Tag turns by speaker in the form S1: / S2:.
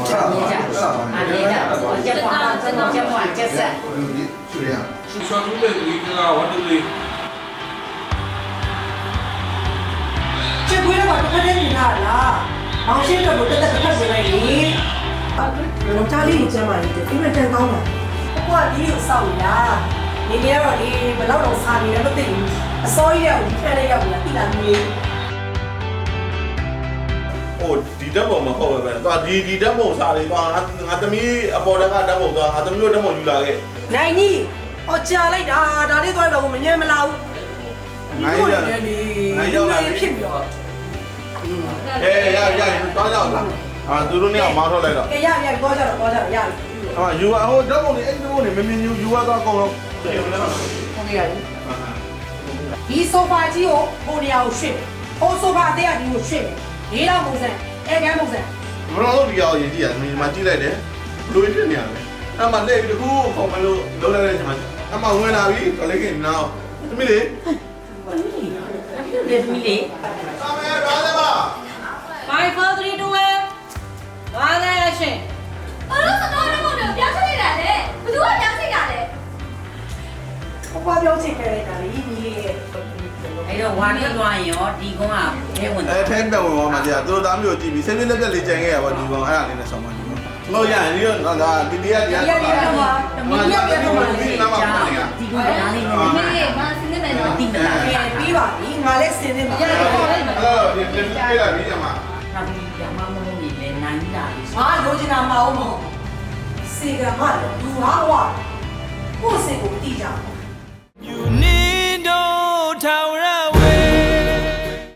S1: 龙家里这嘛，因为真高嘛，不过你有少呀，你别说你不老弄啥的，那不对，少一点我看了要不要第二名。
S2: 哦，ဒီတက်ပုံမဟုတ်ပဲ။သွားဒီတက်ပုံစားလေးသွားငါသမီးအပေါ်တက်ကတက်ပုံသွားငါသမီးတို့တက်ပုံယူလာခဲ့
S1: ။နိုင်ကြီး။အော်ကြာလိုက်တာဒါလေးသွားတော့မငြင်းမလားဘူး။နိုင်ရောက်လာဖြစ်ပြီးတော့
S2: ။ရသွားကြအောင်။သူတို့เนี่ยမောင်းထုတ်လိုက်တော့
S1: ။ကဲရသွားကြတော့ရပြီ
S2: ။ယူဟိုတက်ပုံလေးအဲ့ဒီပုံလေးမမြင်ယူသွားအကုန်လုံး။
S1: ဟုတ်ကဲ့။ဒီဆိုဖာကြီးကိုဟိုနေရာကိုရွှေ့။ဟိုဆိုဖာအသေးအကြီးကိုရွှေ့။လေးတော့ပုံစံအဲကန်းပုံစံ
S2: ဘရောတို့ဒီအောင်ရင်ကြည့်ရမင်းမကြည့်လိုက်တယ်ဘလို့ဖြစ်နေရလဲအမှလက်တခုခုံမလို့လုံးလိုက်တဲ့အချိန်မှာအမှဝင်လာပြီကလေးကနောက်သမီးလေး
S1: သမီးလေး
S2: အမေဘာလဲပါ
S1: 5 4 3 2 1ဘာလဲရှင်
S3: ဘာလို့စတော့တော့ပြောင်းချိတ်လိုက်တာလဲဘသူကပြောင်းချိတ်တာလဲ
S1: ဘွားပြောချိန်ခဲ့လိုက်တာလေညီလေးရဲ့
S4: အဲ့တော့ဝါနေသွားရင်ရောဒီကုန်းကထဲဝင်
S2: အဲထဲပြန်ဝင်သွားမှာကြာသူတို့သားမျိုးကြည့်ပြီးဆေးပြလက်ပြက်လေးကြံခဲ့ရပါဒီကောင်အဲ့ဒါလေးနဲ့ဆောင်းပါဒီကောင်မဟုတ်ရရင်ဒီတော့ဒါဒီတရားတရား
S1: ဒီကတော့
S4: ဒီကုန်းကနားလေးနဲ့
S3: မင်းမစနေမယ်နော်
S4: တိမလား
S1: ပြီးပါပြီငါလည်းစင်းနေမှာ
S2: အဲ့တော့ဒီပြလာပြီးအမ
S4: နောက်ပြီးရမမုန်းနေလဲနိုင်လာပြီ
S1: ငါလိုချင်တာမအောင်မဟုတ်စေကမှလည်းသူဟာဟောကိုယ်စိတ်ကိုတည်ကြ
S5: You need no tower